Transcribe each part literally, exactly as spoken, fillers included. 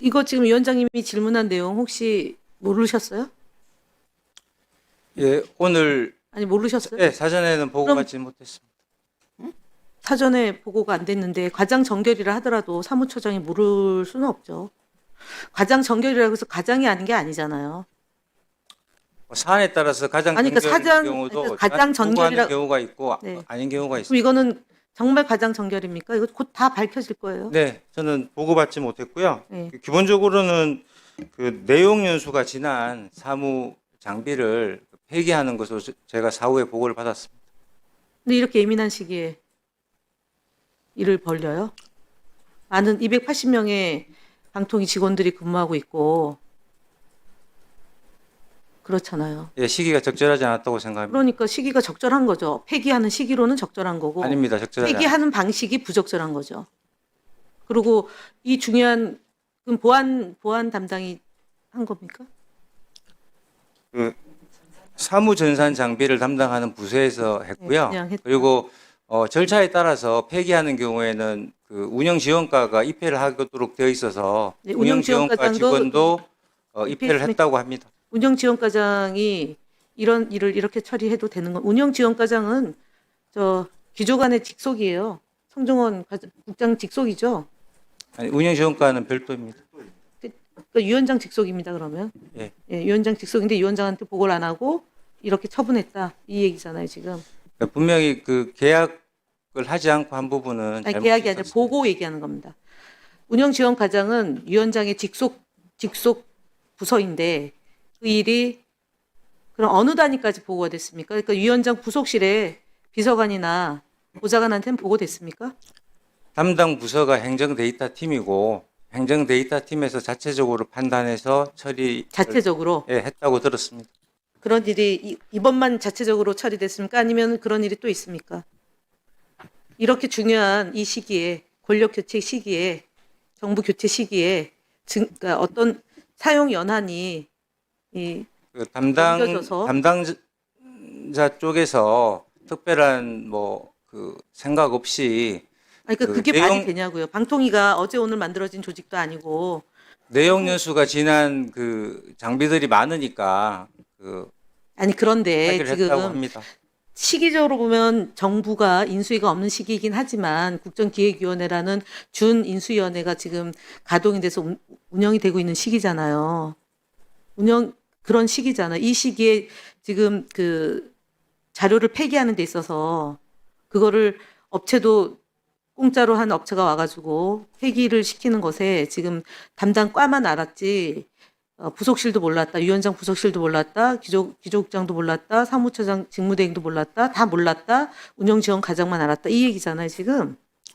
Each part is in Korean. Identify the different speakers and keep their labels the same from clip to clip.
Speaker 1: 이거 지금 위원장님이 질문한 내용 혹시 모르셨어요?
Speaker 2: 예, 오늘
Speaker 1: 아니 모르셨어요?
Speaker 2: 예, 사전에는
Speaker 1: 그럼-
Speaker 2: 보고받지 못했습니다.
Speaker 1: 사전에 보고가 안 됐는데 과장 정결이라 하더라도 사무처장이 모를 수는 없죠. 과장 정결이라고 해서 과장이 아닌 게 아니잖아요.
Speaker 2: 뭐 사안에 따라서 가장
Speaker 1: 아니, 그러니까
Speaker 2: 정결인
Speaker 1: 사장-
Speaker 2: 경우도
Speaker 1: 그러니까 가장
Speaker 2: 보고하는
Speaker 1: 정결이라-
Speaker 2: 경우가 있고
Speaker 1: 네.
Speaker 2: 아닌 경우가
Speaker 1: 그럼
Speaker 2: 있습니다.
Speaker 1: 이거는 정말 과장 정결입니까? 이거 곧 다 밝혀질 거예요.
Speaker 2: 네, 저는 보고받지 못했고요.
Speaker 1: 네.
Speaker 2: 그 기본적으로는 그 내용 연수가 지난 사무 장비를 폐기하는 것으로 제- 제가 사후에 보고를 받았습니다.
Speaker 1: 근데 이렇게 예민한 시기에 일을 벌려요? 많은 이백팔십 명의 방통위 직원들이 근무하고 있고 그렇잖아요.
Speaker 2: 예, 시기가 적절하지 않았다고 생각합니다.
Speaker 1: 그러니까 시기가 적절한 거죠. 폐기하는 시기로는 적절한 거고
Speaker 2: 아닙니다, 적절하지 않
Speaker 1: 폐기하는 방식이 부적절한 거죠. 그리고 이 중요한 그럼 보안 보안 담당이 한 겁니까?
Speaker 2: 그 사무 전산 장비를 담당하는 부서에서 했고요.
Speaker 1: 네, 그냥 했다.
Speaker 2: 그리고 어, 절차에 따라서 폐기하는 경우에는 그 운영 지원과가 입회를 하도록 되어 있어서
Speaker 1: 네,
Speaker 2: 운영
Speaker 1: 운영
Speaker 2: 지원과
Speaker 1: 지원과장도
Speaker 2: 직원도 어, 입회를
Speaker 1: 입회했으니까-
Speaker 2: 했다고 합니다.
Speaker 1: 운영지원과장이 이런 일을 이렇게 처리해도 되는 건 운영지원과장은 저 기조관의 직속이에요. 성종원 과- 국장 직속이죠.
Speaker 2: 아니, 운영 지원과는 별도입니다.
Speaker 1: 그러니까 위원장 직속입니다. 그러면
Speaker 2: 예.
Speaker 1: 예, 위원장 직속인데 위원장한테 보고를 안 하고 이렇게 처분했다 이 얘기잖아요. 지금
Speaker 2: 그러니까 분명히 그 계약을 하지 않고 한 부분은
Speaker 1: 아니,
Speaker 2: 잘못이
Speaker 1: 계약이 아니라
Speaker 2: 있었습니다.
Speaker 1: 보고 얘기하는 겁니다. 운영지원과장은 위원장의 직속 직속 부서인데 그 일이 그럼 어느 단위까지 보고가 됐습니까? 그러니까 위원장 부속실에 비서관이나 보좌관한테는 보고됐습니까?
Speaker 2: 담당 부서가 행정 데이터 팀이고 행정 데이터 팀에서 자체적으로 판단해서 처리
Speaker 1: 자체적으로
Speaker 2: 예, 했다고 들었습니다.
Speaker 1: 그런 일이 이- 이번만 자체적으로 처리됐습니까? 아니면 그런 일이 또 있습니까? 이렇게 중요한 이 시기에 권력 교체 시기에 정부 교체 시기에 증, 그러니까 어떤 사용 연한이 이
Speaker 2: 그 담당
Speaker 1: 넘겨져서.
Speaker 2: 담당자 쪽에서 특별한 뭐 그 생각 없이
Speaker 1: 아니 그
Speaker 2: 그
Speaker 1: 그게
Speaker 2: 내용-
Speaker 1: 말이 되냐고요. 방통위가 어제 오늘 만들어진 조직도 아니고
Speaker 2: 내용 연수가 지난 그 장비들이 많으니까 그
Speaker 1: 아니 그런데
Speaker 2: 해결했다고
Speaker 1: 지금
Speaker 2: 합니다.
Speaker 1: 시기적으로 보면 정부가 인수위가 없는 시기이긴 하지만 국정기획위원회라는 준 인수위원회가 지금 가동이 돼서 운- 운영이 되고 있는 시기잖아요. 운영 그런 시기잖아. 이 시기에 지금 그 자료를 폐기하는 데 있어서 그거를 업체도 공짜로 한 업체가 와가지고 폐기를 시키는 것에 지금 담당 과만 알았지 어, 부속실도 몰랐다, 위원장 부속실도 몰랐다, 기조, 기조국장도 몰랐다, 사무처장 직무대행도 몰랐다, 다 몰랐다, 운영지원과장만 알았다 이 얘기잖아요 지금.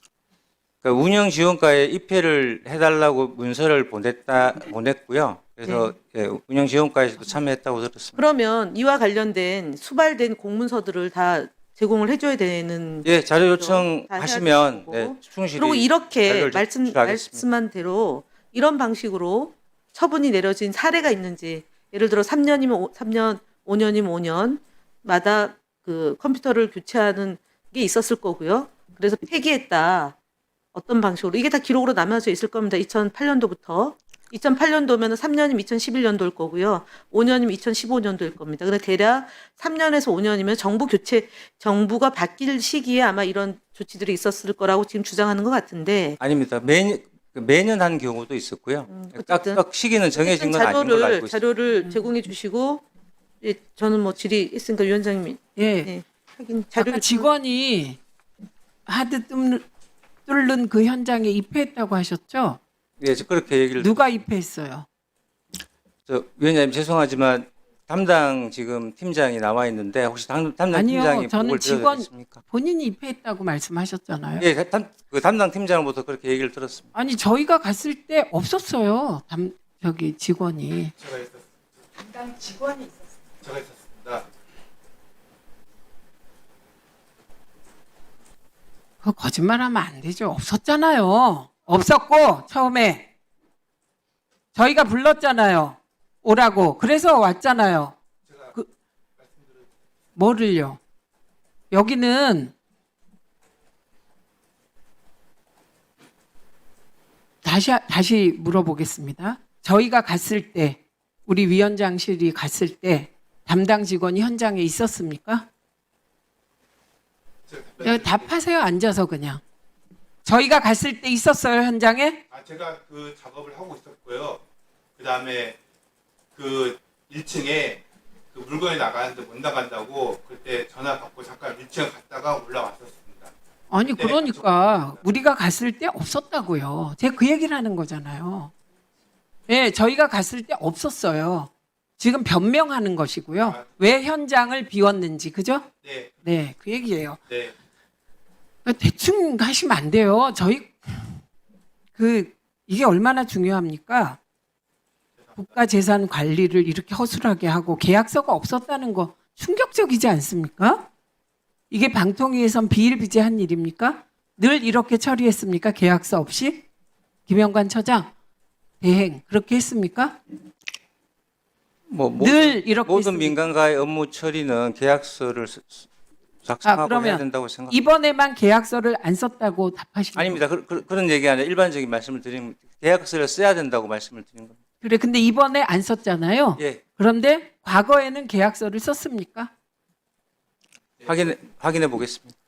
Speaker 2: 그러니까 운영 지원과에 입회를 해달라고 문서를 보냈다 보냈고요. 그래서 예, 운영 지원과에서도 참여했다고 들었습니다.
Speaker 1: 그러면 이와 관련된 수발된 공문서들을 다 제공을 해줘야 되는.
Speaker 2: 예, 자료
Speaker 1: 다 해야
Speaker 2: 요청하시면
Speaker 1: 되는
Speaker 2: 네,
Speaker 1: 거고.
Speaker 2: 충실히
Speaker 1: 그리고 이렇게
Speaker 2: 자료를
Speaker 1: 말씀
Speaker 2: 제출하겠습니다.
Speaker 1: 말씀한 대로 이런 방식으로 처분이 내려진 사례가 있는지, 예를 들어 삼 년이면 삼 년, 오 년이면 오 년마다 그 컴퓨터를 교체하는 게 있었을 거고요. 그래서 폐기했다. 어떤 방식으로 이게 다 기록으로 남아져 있을 겁니다. 이천팔 년도부터 이천팔 년도면 삼 년이면 이천십일 년도일 거고요. 오 년이면 이천십오 년도일 겁니다. 근데 대략 삼 년에서 오 년이면 정부 교체, 정부가 바뀔 시기에 아마 이런 조치들이 있었을 거라고 지금 주장하는 것 같은데.
Speaker 2: 아닙니다. 매년 매년 한 경우도 있었고요.
Speaker 1: 음,
Speaker 2: 딱,
Speaker 1: 어쨌든.
Speaker 2: 딱 시기는 정해진 건 아닌 걸로
Speaker 1: 자료를
Speaker 2: 알고 있습니다.
Speaker 1: 자료를 제공해 주시고 예, 저는 뭐 질의했으니까 위원장님이
Speaker 3: 예.
Speaker 1: 네, 하긴
Speaker 3: 아까
Speaker 1: 자료를
Speaker 3: 직원이 하드 뚫는, 뚫는 그 현장에 입회했다고 하셨죠?
Speaker 2: 예, 저 그렇게 얘기를
Speaker 3: 누가 입회했어요?
Speaker 2: 저 위원장님 죄송하지만 담당 지금 팀장이 나와 있는데 혹시 담, 담당
Speaker 3: 아니요,
Speaker 2: 팀장이
Speaker 3: 저는
Speaker 2: 보고를 드려도
Speaker 3: 직원-
Speaker 2: 되겠습니까?
Speaker 3: 본인이 입회했다고 말씀하셨잖아요.
Speaker 2: 예, 담, 그 담당 팀장으로부터 그렇게 얘기를 들었습니다.
Speaker 3: 아니 저희가 갔을 때 없었어요. 담, 저기 직원이.
Speaker 2: 제가 있었습니다.
Speaker 3: 담당 직원이 있었어요.
Speaker 2: 제가 있었습니다.
Speaker 3: 그 거짓말하면 안 되죠. 없었잖아요. 없었고 처음에 저희가 불렀잖아요. 오라고. 그래서 왔잖아요. 그 뭐를요? 여기는 다 다시 다시 물어보겠습니다. 저희가 갔을 때 우리 위원장실이 갔을 때 담당 직원이 현장에 있었습니까? 네, 답하세요. 앉아서 그냥. 저희가 갔을 때 있었어요, 현장에?
Speaker 4: 아, 제가 그 작업을 하고 있었고요. 그 다음에 그 일 층에 그 물건이 나가는데 못 나간다고 그때 전화 받고 잠깐 일 층 갔다가 올라왔었습니다.
Speaker 3: 아니
Speaker 4: 네,
Speaker 3: 그러니까 우리가 갔을 때 없었다고요. 제가 그 얘기를 하는 거잖아요. 예, 저희가 갔을 때 없었어요. 지금 변명하는 것이고요. 왜 현장을 비웠는지, 그죠?
Speaker 4: 네,
Speaker 3: 네, 그 얘기예요.
Speaker 4: 네.
Speaker 3: 대충 하시면 안 돼요. 저희 그 이게 얼마나 중요합니까? 국가 재산 관리를 이렇게 허술하게 하고 계약서가 없었다는 거 충격적이지 않습니까? 이게 방통위에선 비일비재한 일입니까? 늘 이렇게 처리했습니까? 계약서 없이? 김영관 처장 대행 그렇게 했습니까?
Speaker 2: 뭐
Speaker 3: 늘
Speaker 2: 모든,
Speaker 3: 이렇게
Speaker 2: 모든
Speaker 3: 했습니까?
Speaker 2: 민간과의 업무 처리는 계약서를 쓰- 쓰- 작성하고
Speaker 3: 아, 그러면
Speaker 2: 해야 된다고 생각합니다.
Speaker 3: 이번에만 계약서를 안 썼다고 답하시는
Speaker 2: 아닙니다. 그, 그, 그런 얘기 아니라 일반적인 말씀을 드리면 계약서를 써야 된다고 말씀을 드린 겁니다.
Speaker 3: 그래, 근데 이번에 안 썼잖아요.
Speaker 2: 예,
Speaker 3: 그런데 과거에는 계약서를 썼습니까?
Speaker 2: 확인해 확인해 보겠습니다.